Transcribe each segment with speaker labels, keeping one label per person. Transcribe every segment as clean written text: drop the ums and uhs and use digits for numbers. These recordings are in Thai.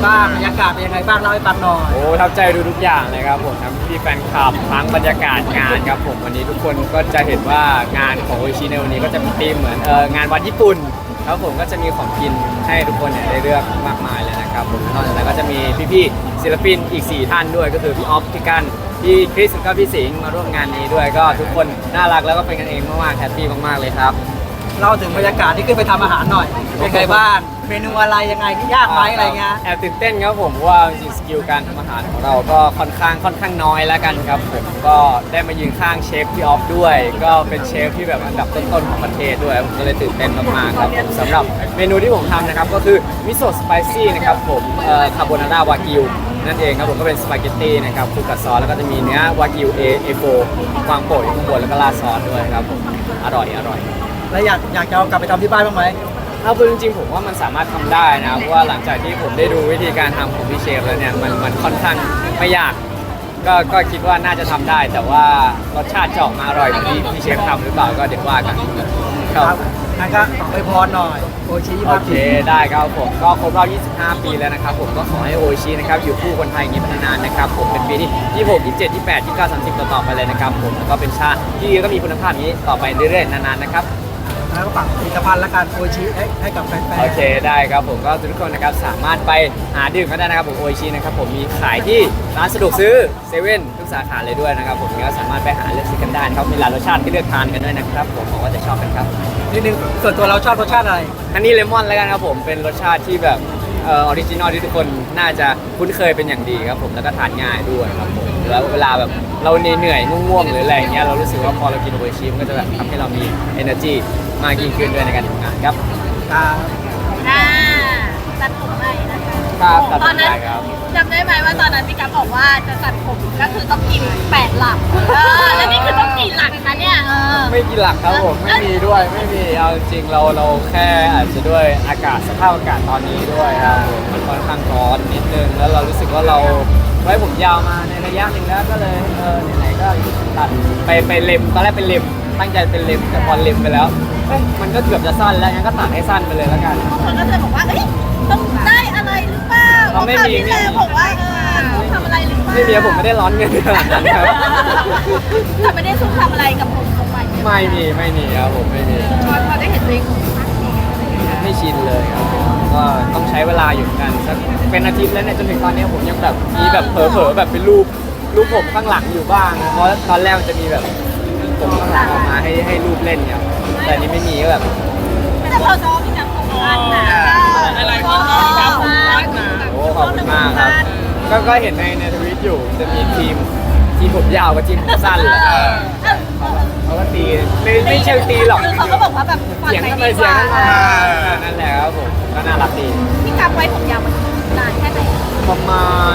Speaker 1: บ้างบรรยากาศเป็นยังไงบ้างเล่าให้ฟังหน่อย
Speaker 2: โอ้ทับใจดูทุกอย่างเลยครับผมทั้งพี่แฟนคลับทั้งบรรยากาศงานครับผมวันนี้ทุกคนก็จะเห็นว่างานของโออิชิในวันนี้ก็จะมีธีมเหมือนงานวันญี่ปุ่นครับผมก็จะมีของกินให้ทุกคนเนี่ยได้เลือกมากมายเลยนะครับผมนอกจากนั้นก็จะมีพี่ๆศิลปินอีก4ท่านด้วยก็คือพี่ออฟพี่กันพี่คริสแล้วก็พี่สิงห์มาร่วมงานนี้ด้วยก็ทุกคนน่ารักแล้วก็เป็นกันเองมากๆแฮปปี้มากๆเลยครับ
Speaker 1: เล่าถึงบรรยากาศที่ขึ้นไปทำอาหารหน่อยเป็นไงบ้างเมนูอะไรยังไงยากไหมอะไรเงี้ย
Speaker 2: แอบตื่นเต้นครับผมเพราะว่าจริงๆสกิลการทำอาหารของเราก็ค่อนข้างน้อยแล้วกันครับผมก็ได้มายืนข้างเชฟพี่ออฟด้วยก็เป็นเชฟที่แบบอันดับต้นๆของประเทศด้วยผมก็เลยตื่นเต้นมากๆครับผมสำหรับเมนูที่ผมทำนะครับก็คือมิโซะสไปซี่นะครับผมคาโบนาร่าวากิวนั่นเองครับผมก็เป็นสปาเกตตี้นะครับคลุกกับซอสแล้วก็จะมีเนื้อวากิวA4วางโปะอยู่ข้างบนแล้วก็ราดซอสด้วยครับผมอร่อย
Speaker 1: แล้วอยากจะเอากลับไปทำที่บ้านบ้างไหม
Speaker 2: เอาคือจริงๆผมว่ามันสามารถทำได้นะเพราะว่าหลังจากที่ผมได้ดูวิธีการทำของพี่เชฟแล้วเนี่ยมันค่อนข้างไม่ยากก็คิดว่าน่าจะทำได้ แต่ว่ารสชาติจะออกมาอร่อยเหมือนที่พี่เชฟทำหรือเปล่าก็เดี๋ยวว่ากันครับ
Speaker 1: งั้นก็ขออวยพรหน่อยโอชิ
Speaker 2: โอเคได้ครับผมก็ครบรอบ25 ปีแล้วนะครับผมก็ขอให้โออิชินะครับอยู่คู่คนไทยอย่างนี้ไปนานๆนะครับผมเป็นปีที่26 27 28 29 30ต่อๆไปเลยนะครับผมแล้วก็เป็นชาติที่ดีแล้วก็มีคุณภาพนี้ต่อไปเรื่อยๆนานๆนะครับ
Speaker 1: แล้วก็ฝากผลิตภัณฑ์และการโอชิให้กับแฟนๆ
Speaker 2: โอเคได้ครับผมก็ทุกคนนะครับสามารถไปหาดื่มกันได้นะครับผมโออิชินะครับผมมีขายที่ร้านสะดวกซื้อเซเว่นทุกสาขาเลยด้วยนะครับผมก็สามารถไปหาเลือกซื้อกันได้นะครับมีหลายรสชาติที่เลือกทานกันด้วยนะครับผมหวังว่าจะชอบกันครับ
Speaker 1: นิดนึงส่วนตัวเราชอบรสชาติอะไร
Speaker 2: อันนี้เลมอนแล้วกันครับผมเป็นรสชาติที่แบบออริจินอลที่ทุกคนน่าจะคุ้นเคยเป็นอย่างดีครับผมแล้วก็ทานง่ายด้วยครับผมแล้วเวลาแบบเราเหนื่อยง่วงๆหรืออะไรอย่างเงี้ยเรารู้สึกว่าพอเรากินโออิชิมันก็จะแบบทำให้เรามี energy มากยิ่งขึ้นด้วยในการทำงานครับ
Speaker 1: ครับ
Speaker 3: ตัดผมใหม่นะคะ
Speaker 2: ครับตัด
Speaker 3: ตอนนั้น
Speaker 2: ได้ครับ
Speaker 3: จำได้ไหมว่าตอนนั้นพี่กัฟบอกว่าจะตัดผมก็คือต้องกิน8 หลักแล้วนี่คือต้องกี่หลักคะเนี่ย
Speaker 2: ไม่กี่หลักครับผมไม่มีด้วยไม่มีเอาจริงๆเราแค่อาจจะด้วยอากาศสภาพอากาศตอนนี้ด้วยครับผมมันค่อนข้างร้อนนิดนึงแล้วเรารู้สึกว่าเราไว้ผมยาวมาในระยะหนึ่งแล้วก็เลยไหนๆก็ตัดไปเล็มตอนแรกเป็นเล็มตั้งใจเป็นเล็มแต่พอเล็มไปแล้วเฮ้ยมันก็เกือบจะสั้นแล้วงั้นก็ตัดให้สั้นไปเลยแล้วกัน
Speaker 3: บางคนก็จะบอกว่าเอ้ยต้องได้อะไรหรือเปล่า
Speaker 2: ไม่มี
Speaker 3: ที่แล้วบอกว่าต้องทำอะไรหรือเปล่า
Speaker 2: ไม่มีผมไม่ได้ร้อนเงินขนาดนั้นครับ
Speaker 3: แต่ไม่ได้ซุ่มทำอะไรกับผมตรงใหม่
Speaker 2: ไม่มีครับผมไม่มี
Speaker 3: พอได้เห็นตัวเอง
Speaker 2: ไม่ชินเลยครับก็ต้องใช้เวลาอยู่เหมือนกันสักเป็นอาทิตย์แล้วเนี่ยจนถึงตอนนี้ผมยังแบบมีแบบเผลอๆแบบเป็นรูปผมข้างหลังอยู่บ้างเพราะตอนแรกมันจะมีแบบผมข้างหลังออกมาให้รูปเล่นเนี่ยแต่อันนี้ไม่มีก็แบบ
Speaker 3: แต่พอซ้อมพี่กัฟของบ้านนะอะไรก็พี่กัฟของบ้านนะ
Speaker 2: โอ้ขอบคุณมากครับก็เห็นในทวิตอยู่จะมีทีมผมยาวกับทีมผมสั้นเลยเขาก็ตีไม่เชิงตีหรอก
Speaker 3: คือเขาก็บอกว่าแบบ
Speaker 2: เสียงทำไมเสียงนั้นมานั่นแหละครับผมก็น่ารักดี
Speaker 3: พี่กัฟไว้ผมยาวมันนานแค่ไหน
Speaker 2: ประมาณ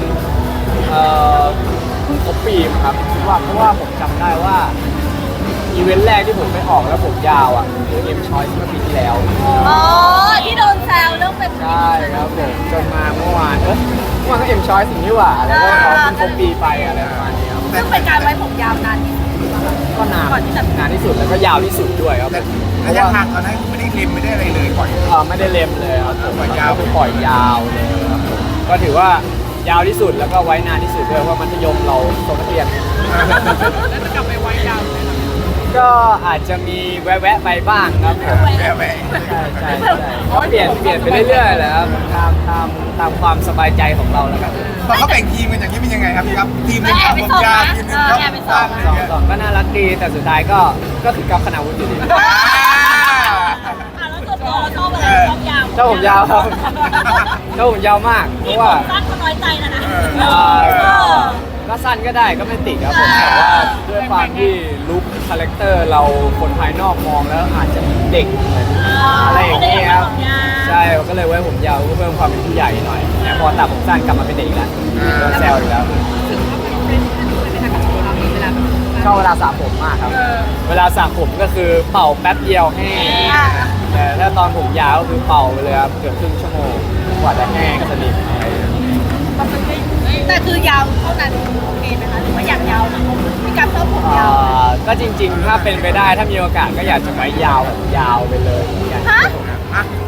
Speaker 2: เพิ่งครบปีมั้งครับคิดว่าเพราะว่าผมจำได้ว่าอีเวนต์แรกที่ผมไปออกแล้วผมยาวอ่ะคือเอ็มชอยส์เมื่อปีที่แล้ว
Speaker 3: อ๋อที่โดนแซวเรื่องเป็น
Speaker 2: ใช่ครับผมจนมาเมื่อวานเมื่อวานก็เอ็มชอยส์สิ่งนี้หว่าแล้วก็เขาเพิ่งครบปีไปอะไรประมาณนี้ครับ
Speaker 3: ซึ่งเป็นการไว้ผมยาวนานที่สุด
Speaker 2: ก็นานที่สุดแล้วก็ยาวที่สุดด้วยครับ
Speaker 4: ระยะทางตอนนั้นไม่ได้ริมไม่ได้อะไรเลยปล่อย
Speaker 2: ไม่ได้เล็มเลยครับผม
Speaker 4: ปล่อยยาว
Speaker 2: ก็คือปล่อยยาวเลยครับผมก็ถือว่ายาวที่สุดแล้วก็ไว้นานที่สุดด้วยเพราะมัธยมเราโตนักเรียน
Speaker 1: แล้วจะกลับไปไว้ยาวเลย
Speaker 2: ก็อาจจะมีแวะๆไปบ้างครับผม
Speaker 4: แหวะ
Speaker 2: ใช่ก็เปลี่ยนไปเรื่อยๆแหละครับตามความสบายใจของเราแล้วกัน
Speaker 4: พอเขาแบ่งทีมกันอย่างนี้เป็นยังไงครับพี่ครับทีมหนึง
Speaker 3: แอบไป
Speaker 4: ผม
Speaker 3: ส่ง
Speaker 4: ยาว
Speaker 3: นะ
Speaker 4: ทีมหนึงครับ
Speaker 3: แอบไปส่ง
Speaker 2: สองก็น่ารักดีแต่สุดท้ายก็คือกับคณะวุฒิอยู่ดี
Speaker 3: แล้วตัวชอบอะไรชอบยาว
Speaker 2: เจ้าผมยาวครับเจ้าผมยาวมากเพราะว่า
Speaker 3: สั้นก็น้อยใจแล้วนะ
Speaker 2: ก็สั้นก็ได้ก็ไม่ติดครับผมแต่ว่าด้วยความที่ลุคคาแรคเตอร์เราคนภายนอกมองแล้วอาจจะเด็กเหมือนอะไรอย่างเงี้ยครับใช่ก็เลยไว้ผมยาวก็เพิ่มความเป็นผู้ใหญ่หน่อยแต่พอตัดผมสั้นกลับมาเป็นเด็กแล้วโดนแซวอีกแล้วชอบเวลาสระผมมากครับ เวลาสระผมก็คือเป่าแป๊บเดียวแห้งแต่ถ้าตอนผมยาวก็คือเป่าไปเลยครับเกือบครึ่งชั่วโมงกว่าจะแห้งสนิท
Speaker 3: แต่คือยาวเท่านั้นโอเคไหมคะหรือว่าอยากยาวนะพี่กัฟชอบผมยาว
Speaker 2: ก็จริงๆ ถ้าเป็นไปได้ถ้ามีโอกาสก็อยากจะไว้ยาวแบบยาวไปเลยอยาก
Speaker 3: ฮะ
Speaker 4: ฮะ
Speaker 3: ย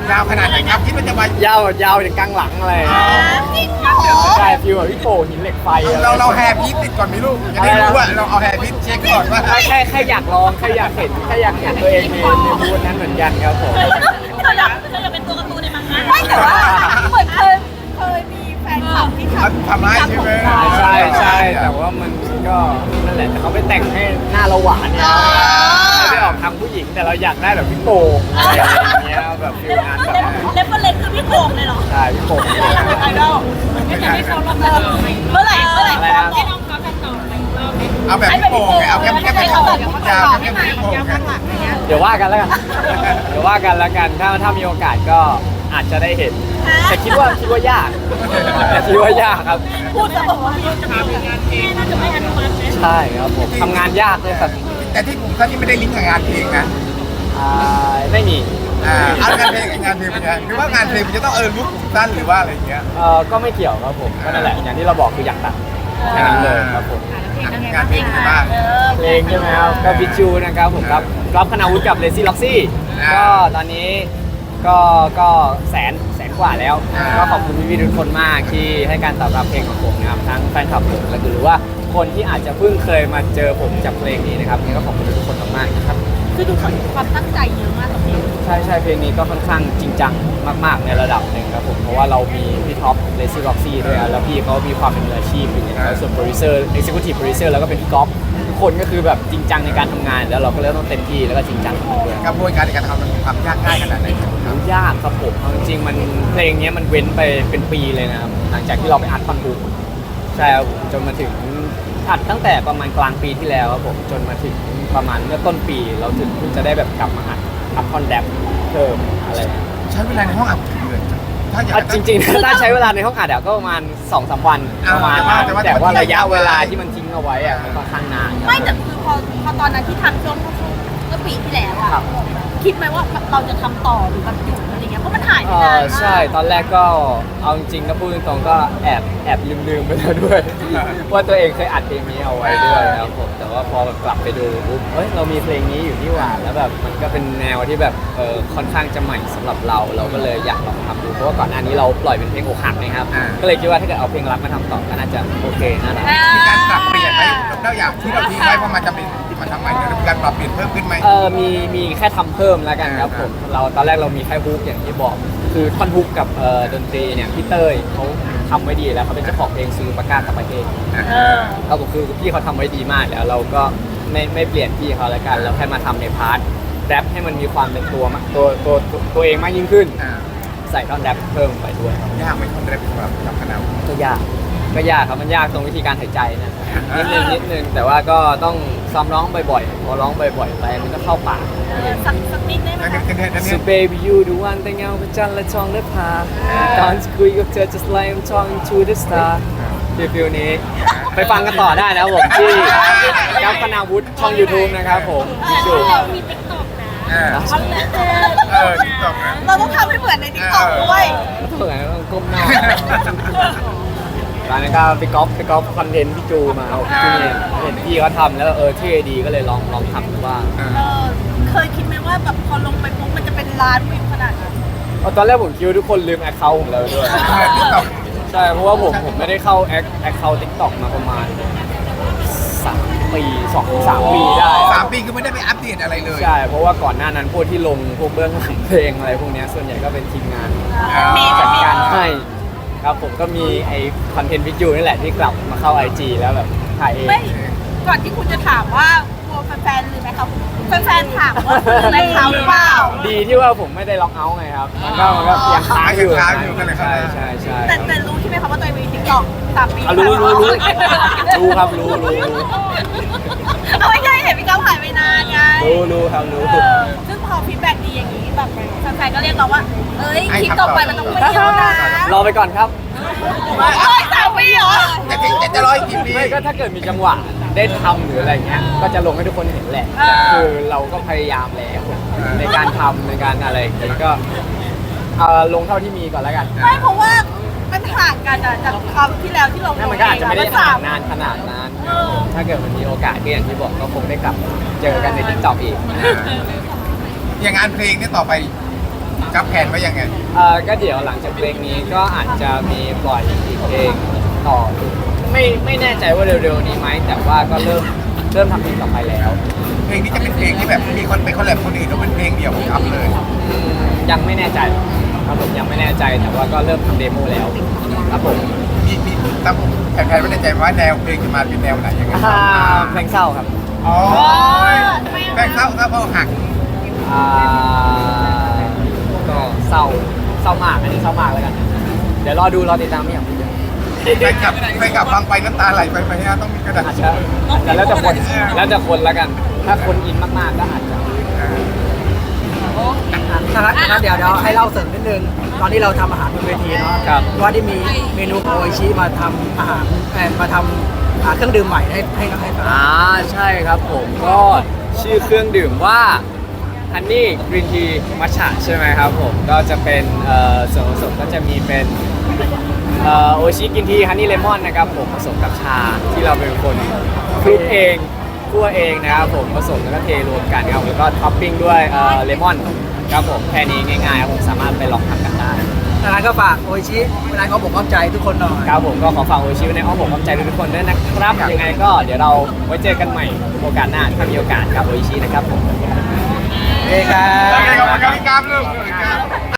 Speaker 4: ยาวขนาดไหนครับคิดว่าจะมาย
Speaker 2: าวถึงกลางหลังอะไร
Speaker 3: จริงเหรอ
Speaker 2: ใช่ฟิลแบบพี่โป่หินเหล็กไฟอะไร
Speaker 4: เราแฮร์พีทติดก่อนไหมลูกจะได้รู้ว่าเราเอาแฮร์พีทเช็คก่อนว่า
Speaker 2: แค่อยากลองแค่อยากเห็นตัวเองในบูธนั้นเหมือนกันครับผม
Speaker 3: เธออยากเป็นตัวการ์ตูนในมังงะไม่แต่ว่าเหมือนเคยมีแฟนคลับที่
Speaker 4: ทำให้ใช่ไหม
Speaker 2: ใช่แต่ว่ามันก็นั่นแหละแต่เขาไปแต่งให้หน้าเราหวานเนี่ยไม่ได้ออกทำผู้หญิงแต่เราอยากได้แบบพี่โป่อะไรอย่างเงี้ยแบบฟิลงานแบบ
Speaker 3: เล็บเล็กคือพี่โป่งเลยเหรอ
Speaker 2: ใช่พี่โป่ง
Speaker 3: ไอดอลไม่แต่ให้เขาลองเมื่อไหร่ให้น้องเขาแต่งต่อแต่งรอบ
Speaker 4: เอาแบบพี่โป่งไงเอาแค่พี่โป่งยาวแค่พี่โป่งไง
Speaker 2: เดี๋ยวว่ากันแล้วกันถ้ามีโอกาสก็อาจจะได้เห็นแต่คิดว่ายากครับ
Speaker 3: พูดจะบอกว่าจะทำงานเองน่าจะไม่อนุมัติ
Speaker 2: ใช่ครับผมทำงานยากเลยครับ
Speaker 4: แต่ที่ผมท่านนี่ไม่ได้ลิงก์กับงานเพลงนะ
Speaker 2: ไม่มี
Speaker 4: เอางานเพลงกับงานเพลงเป็นไงหรือว่างานเพลงมันจะต้องลุกสั้นหรือว่าอะไรอย่างเงี้ย
Speaker 2: ก็ไม่เกี่ยวครับผมก็นั่นแหละอย่างที่เราบอกคืออยากตัดแค่นั้นเลยครับผม
Speaker 4: งานเพลงเป็นบ้าง
Speaker 2: เพลงใช่ไหมครับก็บิจูนะครับผมรับคณาวุฒิกับเลซี่ล็อกซี่ก็ตอนนี้ก็แสนกว่าแล้วก็ขอบคุณพี่ๆทุกคนมากที่ให้การตอบรับเพลงของผมนะครับทั้งแฟนคลับผมและหรือว่าคนที่อาจจะเพิ่งเคยมาเจอผมจากเพลงนี้นะครับนี่ก็ขอบคุณทุกคนมากๆนะครับ
Speaker 3: คือดูความตั้งใจเยอะมากกับเพลง
Speaker 2: ใช่เพลงนี้ก็ค่อนข้างจริงจังมากๆในระดับหนึ่งครับผมเพราะว่าเรามีพี่ท็อปเลซี่ล็อกซี่ด้วยแล้วพี่เขามีความเป็นมืออาชีพอยู่ในส่วนโปรดิวเซอร์เอ็กซิคิวทีฟโปรดิวเซอร์แล้วก็เป็นพี่ก๊อฟทุกคนก็คือแบบจริงจังในการทำงานแล้วเราก็เลยต้องเต็มที่แล้วก็จริงจังด้วย
Speaker 4: กระบวนการในการทำมันมีความยากง่ายขนาดไหนครับ
Speaker 2: มันยากครับผมเอาจริงๆมันเพลงนี้มันเว้นไปเป็นปีเลยนะครับหลังจากที่เราไปอัดคอนบูใช่ครับผมจนมาถึงอัดตั้งแต่ประมาณกลางปีที่แล้วครับผมจนมาถึงประมาณเมื่อต้นปีเราถึงเพิ่งจะได้แบบกลับมาอัดคอนแดปเพิ่มอะไร
Speaker 4: ใช้เวลาในห้องอัดกี่เดือนถ้าอยาก
Speaker 2: จริงๆ ถ้าใช้เวลาในห้องอัดก็ประมาณ 2-3 วันประมาณนั้นแต่ว่าระยะเวลาที่มันทิ้งเอาไว้อะมันค่อนข้างนาน
Speaker 3: ไม่แต่คือพอตอนนั้นที่ทำช่วงเมื่อปีที่แล้วอะคิดไหมว่าเราจะทำต่อหรือแบบหยุดอะไรเงี้ยเพราะมันหายไปนานมาก
Speaker 2: ใช่ตอนแรกก็เอาจริงๆก็พูดตรงๆก็แอบลืมไปแล้วด้วย ว่าตัวเองเคยอัดเพลงนี้เอาไว้ด้วยครับผมแต่ว่าพอกลับไปดูปุ๊บเรามีเพลงนี้อยู่นี่หว่าแล้วแบบมันก็เป็นแนวที่แบบค่อนข้างจะใหม่สำหรับเราก็เลยอยากลองทำดูเพราะว่าก่อนหน้านี้เราปล่อยเป็นเพลงอกหักนะครับก็เลยคิดว่าถ้าเกิดเอาเพลงรักมาทำต่อก็น่าจะโอเคน่ารัก
Speaker 4: มีการปรับเปลี่ยนไหมแล้วอย่างที่เราทิ้งไว้เพราะมันจะเป็นมันทำใหม่เนี่ยมีการปรับเปลี่ยนเพิ่มขึ้นไหม
Speaker 2: มีแค่ทำเพิ่มแล้วกันครับผมเราตอนแรกเรามีแค่ฮุกอย่างที่บอกคือท่อนฮุกกับดนตรีเนี่ยพี่เต้ยเขาทำไว้ดีแล้วเขาเป็นเจ้าของเพลงซูปากากับประเทศครับผมคือพี่เขาทำไว้ดีมากแล้วเราก็ไม่เปลี่ยนพี่เขาแล้วกันเราแค่มาทำในพาร์ทแรปให้มันมีความเป็นตัวเองมากยิ่งขึ้นใส่ท่อนแรปเพิ่มไปด้วย
Speaker 4: ยากไหมคนแรกสำหรับคณะ
Speaker 2: ก็ยากครับมันยากตรงวิธีการหายใจนะนิดนึงแต่ว่าก็ต้องซ้อมร้องบ่อยๆพอร้องบ่อยๆไปมันก็เข้าปาก
Speaker 3: สักนิดได้ไหมคะ
Speaker 2: So baby you the one แต่เงาเป็นจันทร์และทองและพาตอนคุยกับเธอ just like I'm talking to the star ฟิลนี้ไปฟังกันต่อได้นะครับผมที่กัปคณาวุฒิช่อง YouTube นะครับผมพี่จู
Speaker 3: เรามีติ๊กต็อกนะ
Speaker 4: ติ๊กต็อกนะ
Speaker 3: เราต้องทำให้เหมือนในติ๊กต็อกด้วย
Speaker 2: เหมือนต้องก้มหน้าตอนนั้นก็ไปก๊อปคอนเทนต์พี่จูมาพี่เนี่ยเห็นพี่เขาทำแล้วเท่ดีก็เลยลองทำดูบ้าง
Speaker 3: เคยคิดไหมว่าแบบพอลงไปปุ๊บมันจะเป็นล้านวิวขนาดนั้น
Speaker 2: ตอนแรกผมคิดว่าทุกคนลืมแอคเคาท์ผมแล้วด้วย
Speaker 4: ติ๊กต็อก
Speaker 2: ใช่เพราะว่าผมไม่ได้เข้าแอคเคาท์ TikTok มาประมาณ3 ปี 2-3 ปีได้
Speaker 4: 3 ปีคือไม่ได้ไปอัปเดตอะไรเลย
Speaker 2: ใช่เพราะว่าก่อนหน้านั้นพวกที่ลงพวกเบื้องหลังเพลงอะไรพวกเนี้ยส่วนใหญ่ก็เป็นทีมงานจัดการให้ครับผมก็มีไอคอนเทนต์วิดีโอนี่แหละที่กลับมาเข้า IG แล้วแบบถ่ายเอง
Speaker 3: ไม่ก่อนที่คุณจะถามว่ากลัวแฟนๆหรือไหมครับแฟนๆถามว่าคุณในเขาหรือเปล่า
Speaker 2: ดีที่ว่าผมไม่ได้ล็อกเอาท์ไงครับมันก็ยังค้างอยู่ใช่
Speaker 3: แต่รู้ใช่ไหมครับว่าตัวเองมีติ๊กต็อก3 ปี
Speaker 2: รู้ครับรู้
Speaker 3: เอาไม่ใช่เห็นพี่ก้าวหายไปนานไง
Speaker 2: รู้ครับรู้
Speaker 3: ซึ่งพอฟีดแบ็กดีอย่างนี้แบบแฟนๆก็เรียกเราว่าเอ้ยคลิปต่อไปมันต้องไปเที่ยวนะ
Speaker 2: รอไปก่อนครับ
Speaker 3: เฮ้ย3 ปีเหรอ
Speaker 4: จะร้อยกี่ปี
Speaker 2: ไม่ก็ถ้าเกิดมีจังหวะได้ทำหรืออะไรเงี้ยก็จะลงให้ทุกคนเห็นแหละแต่คือเราก็พยายามแล้วในการทำในการอะไรอย่างเงี้ยก็ลงเท่าที่มีก่อนแล้วกัน
Speaker 3: ไม่เพราะว่ามันห่างกันอะจากคราวที่แล้วที่เรา
Speaker 2: นั่นมันก็อาจจะไม่ได้ห่างนานขนาดนั้น ถ้าเกิดมันมีโอกาสก็อย่างที่บอกก็คงได้กลับเจอกันใน TikTok อีก
Speaker 4: อย่างงานเพลงเนี่ยต่อไปกับแผนไว้ยังไง
Speaker 2: ก็เดี๋ยวหลังจากเพลงนี้ก็อาจจะมีปล่อยอีกเพลงต่อไม่แน่ใจว่าเร็วๆนี้ไหมแต่ว่าก็เริ่มทำเพลงต่อไปแล้ว
Speaker 4: เพลงนี้จะเป็นเพลงที่แบบมีคนไปคอลแลบคนอื่นหรือเป็นเพลงเดียวของกับเลย
Speaker 2: ยังไม่แน่ใจครับผมยังไม่แน่ใจแต่ว่าก็เริ่มทำเดโมแล้วครับผม
Speaker 4: มีตั้งแผนไว้ในใจว่าแนวเพลงจะมาเป็นแนวไหนยังไง
Speaker 2: เพลงเศร้าครับ
Speaker 4: อ๋อแฟนเศร้าเพราะหัก
Speaker 2: อ่าก็เศร้ามากอันนี้เศร้ามากแล้วกัน เดี๋ยวรอติดตามพี่อย่าง
Speaker 4: แฟนกลับฟังไปน้ำตาไหลไปไหมฮะต้องมีกระดาษ
Speaker 2: อาจจะแล้วแต่คนแล้วกัน ถ้าคนอินมากๆก็อาจจะ
Speaker 1: ถ้าเดี๋ยวให้เล่าเสริมนิดนึง ตอนที่เราทำอาหารบนเวทีเนาะ
Speaker 2: ครับ
Speaker 1: ว่าที่มีเมนูโออิชิมาทำอาหารมาทำเครื่องดื่มใหม่ให้ฟัง
Speaker 2: ใช่ครับผมก็ชื่อเครื่องดื่มว่าฮันนี่กรีนทีมัชฉะใช่ไหมครับผมก็จะเป็นส่วนผสมก็จะมีเป็นโอชิกินทีฮันนี่เลมอนนะครับผมผสมกับชาที่เราเป็นคนคลุกเองคั่วเองนะครับผมผสมแล้วก็เทรวมกันครับแล้วก็ท็อปปิ้งด้วยเลมอนครับผมแค่นี้ง่ายๆครับผมสามารถไปลองทำกันได้
Speaker 1: ดังนั้นก็ฝากโออิชิเวลาเขาบอกเข้าใจทุกคนหน่อย
Speaker 2: ครับผมก็ขอฝากโอชิไว้ในอ้อมอกอ้อมใจทุกคนด้วยนะครับยังไงก็เดี๋ยวเราไว้เจอกันใหม่โอกาสหน้าถ้ามีโอกาสกับโอชินะครับผม
Speaker 1: เอ้ครับ
Speaker 4: โอเคขอบคุณครับพี่กราฟลูก